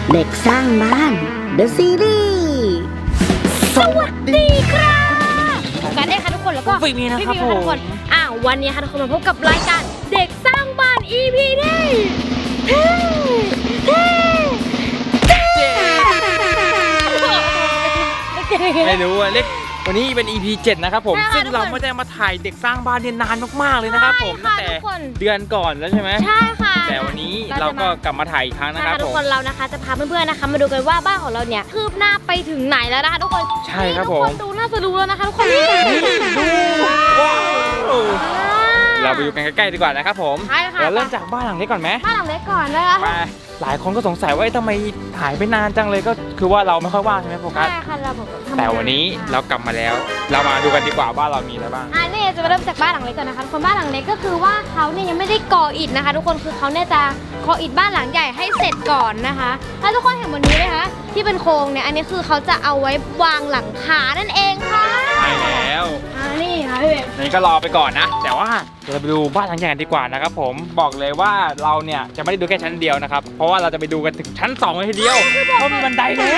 เด็กสร้างบ้าน The Series สวัสดีครับกันได้ค่ะทุกคนแล้วก็ฟิล์มนะครับผมทุกคนวันนี้ค่ะทุกคนมาพบกับรายการเด็กสร้างบ้าน EP ที่เท่ไม่รู้อะเล็กวันนี้เป็น EP 7นะครับผมใช่ค่ะซึ่งเราไม่ได้มาถ่ายเด็กสร้างบ้านเนี่ยนานมากๆเลยนะครับผมใช่ตั้งค่ะแต่ทุกคนเดือนก่อนแล้วใช่ไหมใช่ค่ะแต่วันนี้เราก็กลับมาถ่ายอีกครั้งนะนะคคะรับทุผกมคนเรานะคะจะพาเพื่อนๆนะคะมาดูกันว่าบ้านของเราเนี่ยคืบหน้าไปถึงไหนแล้วนะคะทุกคนใช่ครับทุผกมคนดูน่าจะรู้แล้วนะคะทุกคนนี่ว้าวเราไปดูกันใกล้ๆดีกว่านะครับผมใช่ค่ะเราเริ่มจากบ้านหลังเล็กก่อนไหมบ้านหลังเล็กก่อนนะคะมาหลายคนก็สงสัยว่าทำไมหายไปนานจังเลยก็คือว่าเราไม่ค่อยว่างใช่ไหมโฟกัสใช่ค่ะเราบอกทำงาแต่วันนี้เรากลับมาแล้ว เรามาดูกันดีกว่าบ้านเรามีอะไรบ้างนี่จะมาเริ่มจากบ้านหลังเล็กก่อนนะคะทุกคนบ้านหลังเล็กก็คือว่าเขาเนี่ยยังไม่ได้ก่ออิฐนะคะ ทุกคนคือเขาเนี่ยจะก่ออิฐบ้านหลังใหญ่ให้เสร็จก่อนนะคะถ้าทุกคนเห็นบนนี้ไหมคะที่เป็นโครงเนี่ยอันนี้คือเขาจะเอาไว้วางหลังคานั่นเองค่ะใช่แล้วนี่ค่ะพี่เบมนี่ก็รอไปก่อนนะ แต่ว่าเดี๋ยวเราไปดูบ้านหลังใหญ่กันดีกว่านะครับผมบอกเลยว่าเราเนี่ยจะไม่ได้ดูแค่ชั้นเดียวนะครับเพราะว่าเราจะไปดูกันถึงชั้น2เลยทีเดียวเพราะมีบันไดแล้ว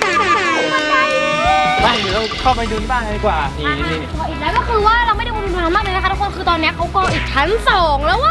ไปเดี๋ยวเราเข้าไปดูที่บ้านกันดีกว่านี่นี่ก่ออิฐแล้วก็คือว่าเราไม่ได้วุ่นวายมากเลยนะคะทุกคนคือตอนนี้เขาก่ออิฐชั้น2แล้วว่า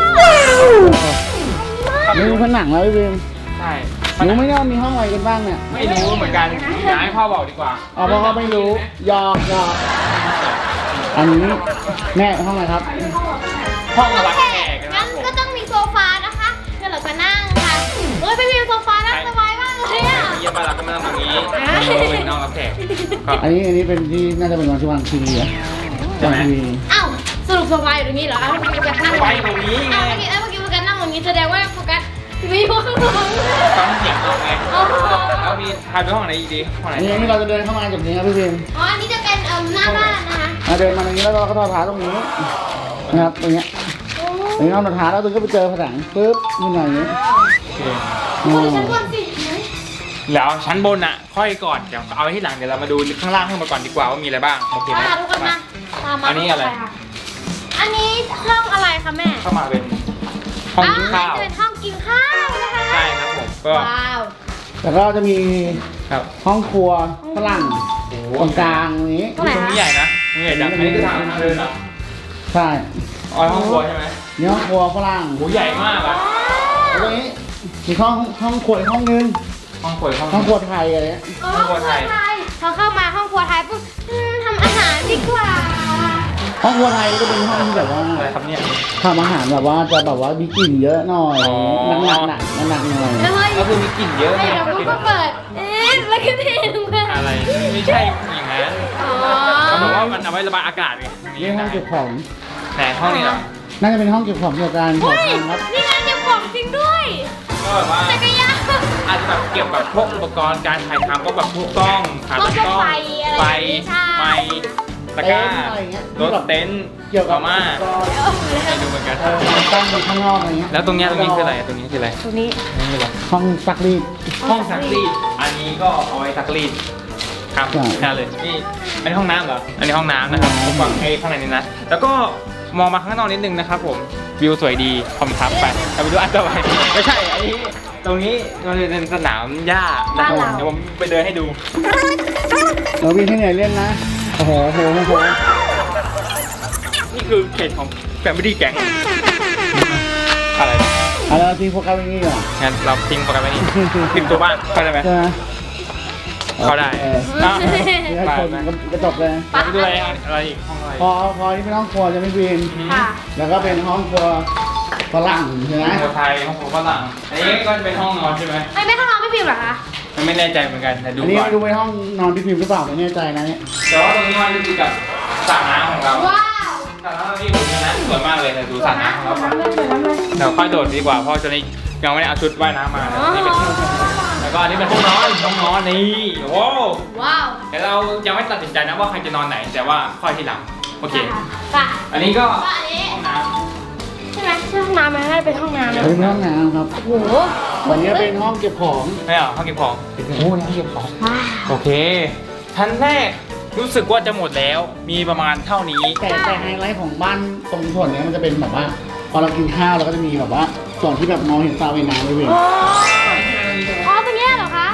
ไม่รู้ผนังแล้วพี่บีมใช่รู้ไหมเนี่ยว่ามีห้องอะไรกันบ้างเนี่ยไม่รู้เหมือนกันอยากให้พ่อบอกดีกว่าอ๋อเพราะเขาไม่รู้ยอมอันนี้แม่ห้องอะไรครับห้องรับแขกนะคงั้รันบผมก็ต้องมีโซฟานะคะเดี๋ยวเราจะนั่งค่ะเฮ้ยพี่เบมโซฟานั่งสบายมากเลยอ่ะเยี่ยมมากเราก็มานั่งตรงนี้เป็นห้องรับแขกก็อันนี้เป็นที่น่าจะเป็นวันที่วางทีวีอะใช่ไหมวางทีวีอ้าวสรุปโซฟาอยู่ตรงนี้เหรอเมื่อกี้โฟกัสนั่งไว้ตรงนี้ไงเมื่อกี้โฟกัสนั่งตรงนี้แสดงว่าโฟกัสมีห้องนอนฟังเสียงเราไงอ๋อแล้วมีถ่ายไปห้องไหนอีกดีห้องไหนอันนี้เราจะเดินเข้ามาจากนี้ครับพี่บีมอ๋ออันนี้จะเป็นหน้าบ้านนะคะเดินมาตรงนี้แล้วเราก็ทอดเท้าตรงนี้นะครับตรงเนี้ยตรงนี้เอาหน้าเท้าแล้วตรงก็ไปเจอผนังปึ๊บนี่หน่อยอย่างนี้โอเคอืโอ้ยมชั้นบนสิแล้วชั้นบนอ่ะค่อยก่อนเดี๋ยวเอาไว้ที่หลังเดี๋ยวเรามาดูข้างล่างให้มาก่อนดีกว่าว่ามีอะไรบ้างโอเคไหมทุกคนมาตามมาอันนี้อะไรอันนี้ห้องอะไรคะแม่เข้ามาเป็นห้องกินข้าวจะเป็นห้องกินข้าวนะคะใช่ครับผมก็ว้าวแล้วก็จะมีครับห้องครัวฝรั่งโอ้ตรงกลางตรงนี้ตรงไหนตรงนี้คะใหญ่นะตรงนี้ใหญ่จังอันนี้คือทางเดินเหรอใช่อ๋อห้องครัวใช่ไหมนี่ห้องครัวฝรั่งโหใหญ่มากอ่ะแล้วตรงนี้มีห้องครัวอีกห้องนึงห้องครัวห้องห้องครัวไทยอะไรเงี้ยห้องครัวไทยพอเข้ามาห้องครัวไทยปุ๊บทำอาหารดีกว่าห้องครัวไทยก็เป็นห้องที่แบบว่าอะไรครับเนี่ยทำอาหารแบบว่าจะแบบว่ามีกลิ่นเยอะหน่อยอ๋อหนักหน่อยแล้วเฮ้ยก็คือมีกลิ่นเยอะไม่ไงเดี๋ยวปุ๊บก็เปิดแล้วก็เทลงไปอะไรไม่ใช่อย่างนั้นอ๋อเขาบอกว่ามันเอาไว้ระบายอากาศไงนี่ห้องเก็บของแต่ห้องนี้เหรอน่าจะเป็นห้องเก็บของเกี่ยวกับการขอเฮ้ยทานครับนี่งานเก็บของจริงด้วยก็แบบว่าจักรยานอาจจะแบบเกี่ยวกับพวกอุปกรณ์การถ่ายทำก็แบบพวกกล้องขาตั้งกล้องไฟอะไรไฟอย่างงี้ใช่ไมค์ตะกร้าอะไรเงี้ยรถเต็นท์เกี่ยวกับมาอุปกรณ์ให้ดูเหมือนกันตั้งอยู่ข้างนอกอะไรเงี้ยแล้วตรงเนี้ยคืออะไรตรงนี้คืออะไรตรงนี้นี่คืออะไรห้องซักรีดห้องซักรีดอันนี้ก็เอาไว้ซักรีดครับใช่แค่เลยนี่อันนี้ห้องน้ำเหรออันนี้ห้องน้ำนะครับผมฟังไอ้ข้างในนี้นะแล้วก็มองมาข้างนอกนิดนึงนะครับผมวิวสวยดีคอมทับไปเราไปดูอันต่อไปไม่ใช่อันนี้ตรงนี้มันเป็นสนามหญ้านะครับเดี๋ยวผมไปเดินให้ดูเราวิ่งที่ไหนเล่นนะโอ้โหโอ้โหโอ้โหนี่คือเขตของแฟมิลี่แก๊งอะไรเอาแล้วทีโฟกัสไว้นี่ก่อนงั้นเราทิ้งโปรแกรมไว้นี่ทิ้งตัวบ้านเข้าได้ไหมใช่ไหมเข้าได้โอเคอ้าวนี่ให้คนก็จบเลยไปดูอะไรอีกห้องอะไรพอนี่เป็นห้องครัวจะไม่บินค่ะแล้วก็เป็นห้องครัวฝรั่งใช่ไหมห้องครัวไทยห้องครัวฝรั่งอันนี้ก็จะเป็นห้องนอนใช่ไหมไม่ข้างนอกไม่พิมพ์เหรอคะไม่แน่ใจเหมือนกันแต่ดูอันนี้ก่อนไม่รู้ไปห้องนอนพี่พิมพ์หรือเปล่าไม่แน่ใจนะเนี่ยแต่ว่าตรงนี้มันคือกับสระน้ำของเราว้าวสระน้ำที่ผมนะสวยมากเลยแต่ดูสระน้ำของเราก่อนน้ำเลยสวยน้ำเลยเดี๋ยวค่อยโดดดีกว่าเพราะตอนนี้ยังไม่ได้เอาชุดว่ายน้ำมานี่เป็นแล้วก็อันนี้เป็นห้องนอนนี่โอ้ว้าวแต่เรายังไม่ตัดสินใจนะว่าใครจะนอนไหนแต่ว่าค่อยทีหลังโอเคค่ะอันนี้ก็อันนี้ห้องน้ำใช่ไหมใช่ห้องน้ำไหมน่าจะเป็นห้องน้ำนะเป็นห้องน้ำครับโอ้โหวันนี้เป็นห้องเก็บของไม่เหรอห้องเก็บของโอ้นี่ห้องเก็บของว้าวโอเคชั้นแรกรู้สึกว่าจะหมดแล้วมีประมาณเท่านี้แต่ไฮไลท์ของบ้านตรงส่วนเนี้ยมันจะเป็นแบบว่า พอเรากินข้าวเราก็จะมีแบบว่าส่วนที่แบบมองเห็นสระว่ายน้ำเลยเว้ยอ๋อตรงเนี้ยเหรอคะ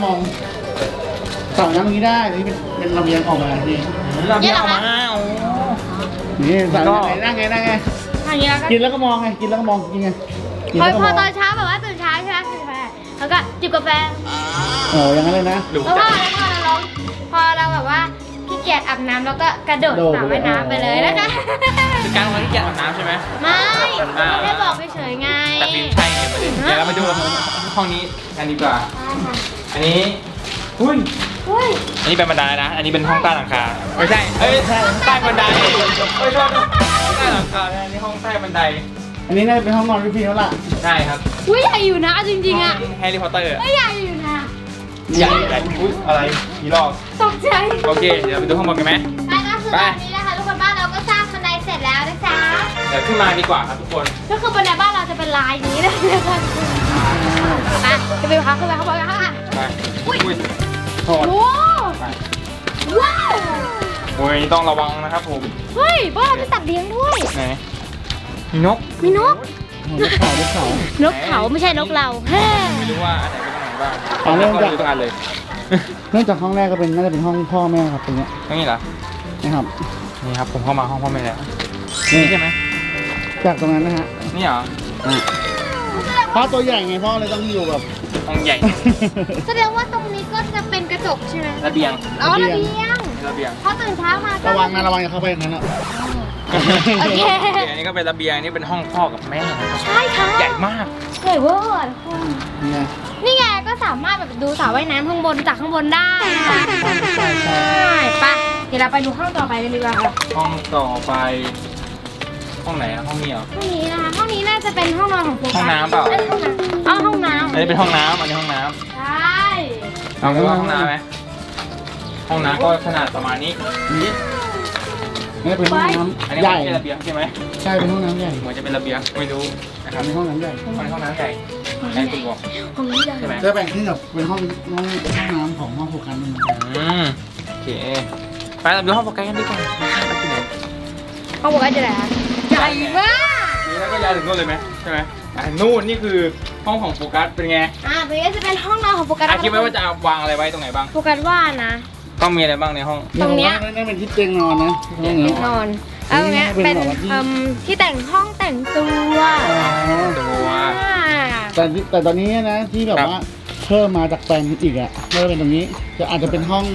มองสระว่ายน้ำตรงนี้ได้นี่เป็นระเบียงออกมานี่เราเบี้ยออกมาโอ้นี่สระว่ายน้ำนั่งไงอย่างนี้แล้วก็กินแล้วก็มองไงกินแล้วก็มองกินไงกินพอแล้วก็พมอองตอนเช้าแบบว่าตื่นเช้าใช่ไหมกินกาแฟแล้วก็จิบกาแฟโอ้อย่างนั้นเลยนะดูแล้วพอเราแบบว่าขี้เกียจอาบน้ำแล้วก็กระโดดสระว่ายน้ำไปเลยนะคะคือการวันที่แกอาบน้ำใช่ไหมไม่ไม่ได้บอกเฉยๆไงแต่ฟิล์มใช่ไงประเด็นเดี๋ยวเรามาดูห้องนี้กันดีกว่า อันนี้อุ้ยอุ้ยอันนี้เป็นบันไดนะ อันนี้เป็นห้องใต้หลังคา ไม่ใช่ เอ้ยใต้บันไดเอ้ยโทษใต้หลังคาอันนี้ห้องใต้บันไดอันนี้น่าจะเป็นห้องนอนพี่พีแล้วล่ะใช่ครับอุ้ยใหญ่อยู่นะจริงๆอ่ะแฮร์รี่พอตเตอร์ไม่ใหญ่อยู่นะใหญ่ใหญ่อุ้ยอะไรกี่รอบตกใจโอเค เดี๋ยวไปดูข้างบนกันไหมไปก็คือตอนนี้นะคะทุกคนบ้านเราก็สร้างบันไดเสร็จแล้วนะจ๊ะเดี๋ยวขึ้นมาดีกว่าครับทุกคนก็คือบันไดบ้านเราจะเป็นลายนี้เลยนะคะไปจะไปพักขึ้นไปข้างบนกันค่ะไปอุ้ยอุ้ยถอดโอ้ไปว้าวโอ้ยต้องระวังนะครับผมเฮ้ยบ้านเรามีสัตว์เลี้ยงด้วยไหนมีนกมีนกลูกเขาลูกเขานกเขาไม่ใช่นกเราเฮ้ไม่รู้ว่าอันไหนเป็นห้องไหนบ้างเอาเริ่มจากดูทุกอันเลยเนื่องจากห้องแรกก็เป็นน่าจะเป็นห้องพ่อแม่ครับตรงเนี้ยตรงนี้เหรอนะครับนี่ครับผมเข้ามาห้องพ่อแม่แล้วนี่นี่ใช่ไหมจากตรงนั้นนะฮะนี่เหรอพ่อตัวใหญ่ไงพ่อเลยต้องอยู่แบบห้องใหญ่แสดงว่าตรงนี้ก็จะเป็นกระจกใช่ไหมระเบียงอ๋อระเบียงระเบียงพอตื่นเช้ามาก็ระวังนะระวังอย่าเข้าไปอย่างนั้นอ่ะโอเคอันนี้ก็เป็นระเบียงอันนี้เป็นห้องพ่อกับแม่นะครับใช่ค่ะใหญ่มากใหญ่เวอร์ทุกคนนี่ไงนี่ไงก็สามารถแบบดูสระว่ายน้ำข้างบนจากข้างบนได้นะคะใช่ใช่ปะเดี๋ยวเราไปดูห้องต่อไปกันดีกว่าค่ะห้องต่อไป ห้องไหนอะห้องนี้เหรอห้องนี้นะคะห้องนี้น่าจะเป็นห้องนอนของโฟกัสห้องน้ำเปล่าอ้ยห้องน้ำอ๋อห้องน้อันนี้เป็นห้องน้ำอันนี้ห้องน้ำใช่ำเราดูว่าห้องน้ำไหมห้องน้ำก็ขนาดประมาณนี้นี่นี่เป็นห้องน้อันนี้ำใหญ่ไม่ใช่ระเบียงใช่ไหมใช่เป็นห้องน้ำใหญ่เหมือนจะเป็นระเบียงไม่รู้นะครับเป็นห้องน้ำใหญ่มันห้องน้ำใหญ่ในคุณบอกห้องนี้ใหญ่ใช่ไหมจะแบ่งขึ้นกับเป็นห้องน้ำของห้องผูกกันนึงโอเคไปเราดูห้องโปรแกรมกันดีกว่าไปที่ไหนห้องโฟกัสจะไหนคะใหญ่มากนี่แล้วก็ย้ายถึงนู่นเลยไหมใช่ไหมนู่นนี่คือห้องของโฟกัสเป็นไงตรงนี้จะเป็นห้องนอนของโฟกัสคิดไว้ว่าจะวางอะไรไว้ตรงไหนบ้างโฟกัสว่านะต้องมีอะไรบ้างในห้องตรงเนี้ยนี่เป็นที่เตียงนอนนะห้องนี้นอนเอาตรงเนี้ยเป็นที่แต่งห้องแต่งตัวตัวแต่ตอนนี้นะที่แบบว่าเพิ่มมาจากแปลงอีกอ่ะเพิ่มเป็นตรงนี้จะอาจจะเป็นห้อง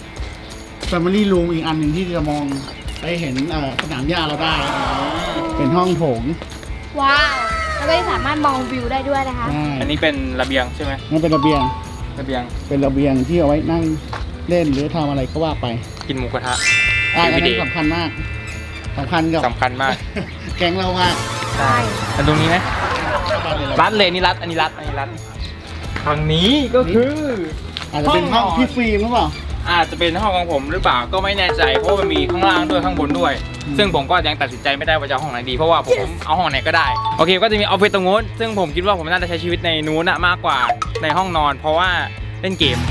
Family Room อีกอันหนึ่งที่จะมองไปเห็นสนามหญ้าเราได้ เป็นห้องโถงว้าวแล้วก็สามารถมองวิวได้ด้วยนะคะใช่อันนี้เป็นระเบียงใช่ไหมนั่นเป็นระเบียงระเบียงเป็นระเบียงที่เอาไว้นั่งเล่นหรือทำอะไรก็ว่าไปกินหมูกระทะอันนั้น Everyday สำคัญมากสำคัญกับสำคัญมากแก๊งเรามากใช่อันตรงนี้ไหมรัดเลยนี่รัดอันนี้รัดอันนี้รัดทางนี้ก็คืออาจจะเป็นห้องพี่ฟิล์มหรือเปล่าอาจจะเป็นห้องของผมหรือเปล่าก็ไม่แน่ใจเพราะว่ามันมีข้างล่างด้วยข้างบนด้วย ซึ่งผมก็ยังตัดสินใจไม่ได้ว่าจะเอาห้องไหนดีเพราะว่าผมเอาห้องไหนก็ได้โอเคก็จะมีออฟฟิศตรงนู้นซึ่งผมคิดว่าผมน่าจะใช้ชีวิตในนู้นมากกว่าในห้องนอน เพราะว่าเล่นเกม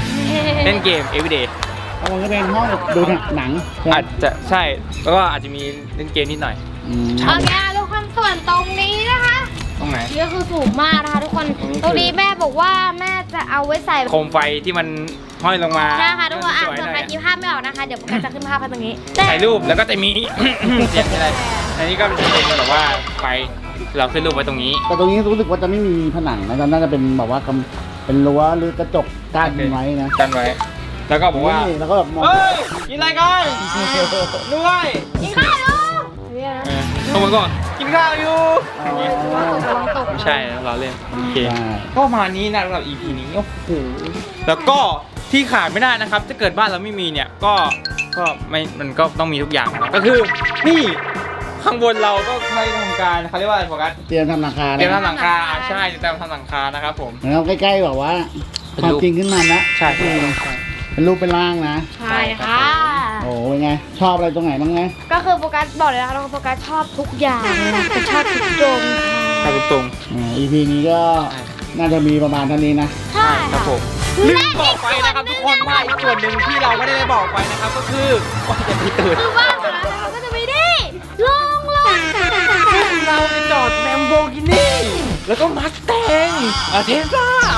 everyday แล้วมันก็เป็นห้องดูหนังใช่ไหมอาจจะใช่แล้วก็อาจจะมีเล่นเกมนิดหน่อยอืมโอเคทุกคนส่วนตรงนี้นะคะตรงไหนนี่ก็คือสูงมากนะคะทุกคนตรงนี้คือตรงนี้แม่บอกว่าแม่จะเอาไว้ใส่โคมไฟที่มันห้อยลงมาใช่ค่ะทุกคนอ่ะสวยส่วนหใครน่อยคิดภาพไม่ออกนะคะ เดี๋ยวโฟกัสจะขึ้นภาพให้ตรงนี้ถ่ายรูปแล้วก็จะมี เสียงอะไรอันนี้ก็จะเป็นแบบว่าไฟเราขึ้นรูปไว้ตรงนี้แต่ตรงนี้รู้สึกว่าจะไม่มีผนังนะน่าจะเป็นแบบว่าเป็นรั้วหรือกระจกกั้นไว้นะกันไว้ แล้วก็บอกว่านี่แล้วก็แบบมองเฮ้ยกินอะไรกันด้วยกินข้าวลูกเนี่ยนะทุกคนก็กินข้าวอยู่อ๋อระวังตกไม่ใช่เราเล่นโอเคใช่ก็ประมาณนี้นะสำหรับ EP นี้โอ้โหแล้วก็ที่ขาดไม่ได้นะครับถ้าเกิดบ้านเราไม่มีเนี่ยก็ไม่มันก็ต้องมีทุกอย่างนะก็คือนี่ข้างบนเราก็ใช้ทำการเขาเรียกว่าอะไรโฟกัสเตรียมทำหลังคาเตรียมแล้วทำหลังคาใช่เตรียมทำหลังคานะครับผมแล้วใกล้ๆแบบว่าเป็นความรูปจริงขึ้นมานะใช่ใช่เป็นรูปเป็นร่างนะใช่ค่ะโอ้เป็นไง ชอบอะไรตรงไหนบ้างไงก็คือโฟกัสบอกเลยนะคะว่าโฟกัสชอบทุกอย่างเลยนะแต่ชอบทุกตรงครับตรง EP นี้ก็น่าจะมีประมาณเท่านี้นะใช่ครัค่ะบผมลืมบอกไปนะครับทุกคนว่าอีกส่วนหนึ่งที่เราไม่ได้บอกไปนะครับก็คือว่าจะมีตื่นคือบ้านของเราก็จะไม่ได้ลงรถเราไปจอดแลมโบกินี่แล้วก็มัสแตงเทสลาโอ้โห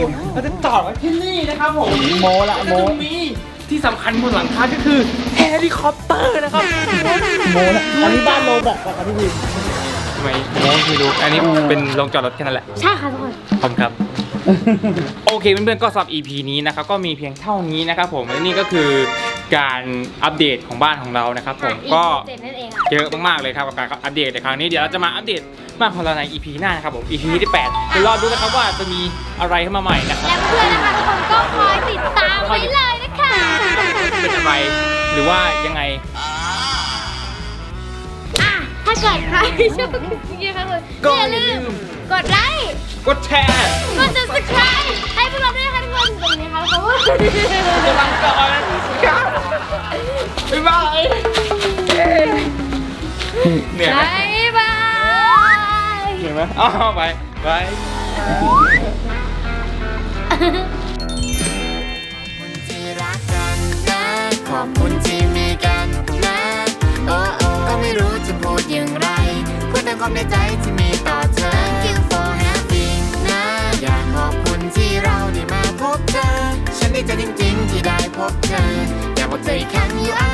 เราจะจอดไว้ที่นี่นะครับผมโมละแล้วโมก็จะมีที่สำคัญบนหลังคาก็คือเฮลิคอปเตอร์นะครับโมละอันนี้บ้านโลแบบกับพี่วินทำไมโม้คือดูอันนี้เป็นโรงจอดรถแค่นั้นแหละใช่ค่ะทุกคนขอบคุณครับ โอเคเพื่อนๆก็สำหรับ EP นี้นะครับก็มีเพียงเท่านี้นะครับผมและนี่ก็คือการอัปเดตของบ้านของเรานะครับผมก็เจ็ดนั่นเองค่ะเยอะมากๆเลยครับกับการอัปเดตในครั้งนี้เดี๋ยวเราจะมาอัปเดตบ้านของเราใน EP หน้านะครับผม EP ที่8เดี๋ยวรอดูนะครับว่าจะมีอะไรเข้ามาใหม่นะครับและเพื่อนนะคะทุกคนก็คอยติดตามไว้เลยนะคะเป็นอะไรหรือว่ายังไงอ่ะถ้าเกิดใครชอบคลิปนี้นะคะทุกคนก็อย่าลืมกดไลค์กดแชร์กด subscribe ให้พวกเราด้วยนะคะทุกคนตรงนี้ค่ะทุกคนกำลังก่อนบ๊ายบายเหนื่อยไหมบ๊ายบายเหนื่อยไหมอ๋อไปไปที่รักกันนะขอบคุณที่มีกันนะโอ้โอ้ก็ไม่รู้จะพูดอย่างไรพูดแต่ความในใจที่มีต่อเธอ Thank you for having นะอยากขอบคุณที่เราได้มาพบเธอ ฉันดีใจจริงๆที่ได้พบเธออยากบอกเธออีกครั้ง you are